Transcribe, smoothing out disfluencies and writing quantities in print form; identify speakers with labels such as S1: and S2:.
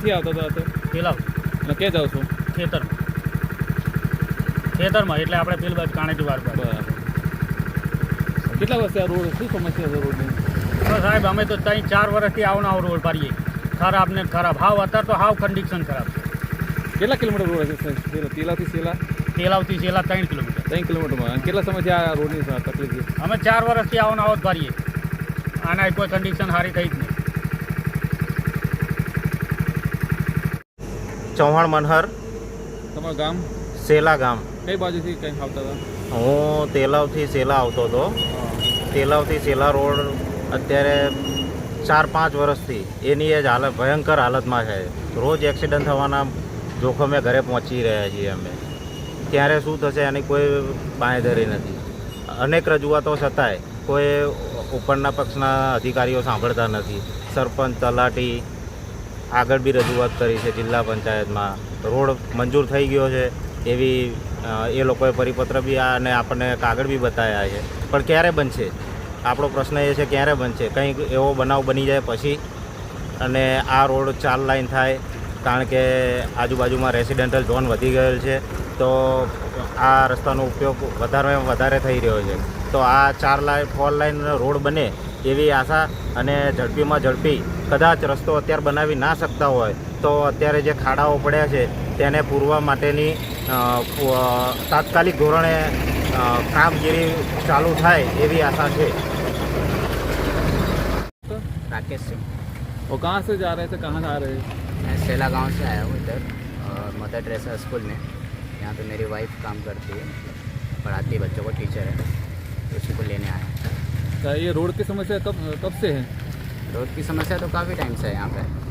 S1: ક્યાંથી આવતો હતો અત્યારે?
S2: પેલા
S1: અને ક્યાં જાઓ છો?
S2: ખેતરમાં એટલે આપણે પેલી બાજુ કાણેટી વાર બાજુ.
S1: બરાબર. કેટલા વર્ષથી આ રોડ શું સમસ્યા છે રોડની?
S2: તો સાહેબ અમે તો 3-4 વર્ષથી આવનાવ રોડ પાડીએ, ખરાબ ને ખરાબ. હાવ અત્યારે તો હાવ કન્ડિશન ખરાબ છે.
S1: કેટલા કિલોમીટર રોડ હશે તેલાવથી સેલા?
S2: તેલાવથી છેલ્લા 3 કિલોમીટર.
S1: 3 કિલોમીટરમાં. અને કેટલા સમયથી આ રોડની તકલીફ છે?
S2: અમે 4 વર્ષથી આવનાવ જ પાડીએ. આના કોઈ કન્ડિશન સારી થઈ જ નહીં.
S3: ચૌહાણ મનહર,
S1: તમારું ગામ
S3: સેલા ગામ.
S1: કઈ બાજુથી કંઈ આવતા હતા?
S3: હું તેલાવથી સેલા આવતો હતો. તેલાવથી સેલા રોડ અત્યારે 4-5 વર્ષથી એની એ જ હાલત ભયંકર હાલતમાં છે. રોજ એક્સિડન્ટ થવાના જોખમે ઘરે પહોંચી રહ્યા છીએ અમે. ત્યારે શું થશે એની કોઈ બાંયધરી નથી. અનેક રજૂઆતો છતાંય કોઈ ઉપરના પક્ષના અધિકારીઓ સાંભળતા નથી. સરપંચ, તલાટી આગળ બી રજૂઆત કરી છે જિલ્લા પંચાયતમાં. રોડ મંજૂર થઈ ગયો છે એવી એ લોકોએ પરિપત્ર બી અને આપણને કાગળ બી બતાવ્યા છે, પણ ક્યારે બનશે? આપણો પ્રશ્ન એ છે ક્યારે બનશે? કંઈક એવો બનાવ બની જાય પછી અને આ રોડ 4 લાઇન થાય, કારણ કે આજુબાજુમાં રેસિડેન્ટલ ઝોન વધી ગયેલ છે, તો આ રસ્તાનો ઉપયોગ વધારે થઈ રહ્યો છે. તો આ 4 લાઇન રોડ બને એવી આશા અને ઝડપીમાં ઝડપી કદાચ રસ્તો અત્યારે બનાવી ના શકતા હોય તો અત્યારે જે ખાડાઓ પડ્યા છે તેને પૂરવા માટેની તાત્કાલિક ધોરણે કામગીરી ચાલુ થાય એવી આશા છે.
S4: राकेश सिंह,
S1: वो कहाँ से जा रहे थे, कहाँ आ रहे हैं?
S4: मैं सेला गांव से आया हूँ इधर और मदर टेरेसा स्कूल में. यहाँ पे मेरी वाइफ काम करती है, पढ़ाती है बच्चों को, टीचर है, तो उसी को लेने आया.
S1: तो ये रोड की समस्या कब से है?
S4: रोड की समस्या तो काफ़ी टाइम से है यहाँ पे.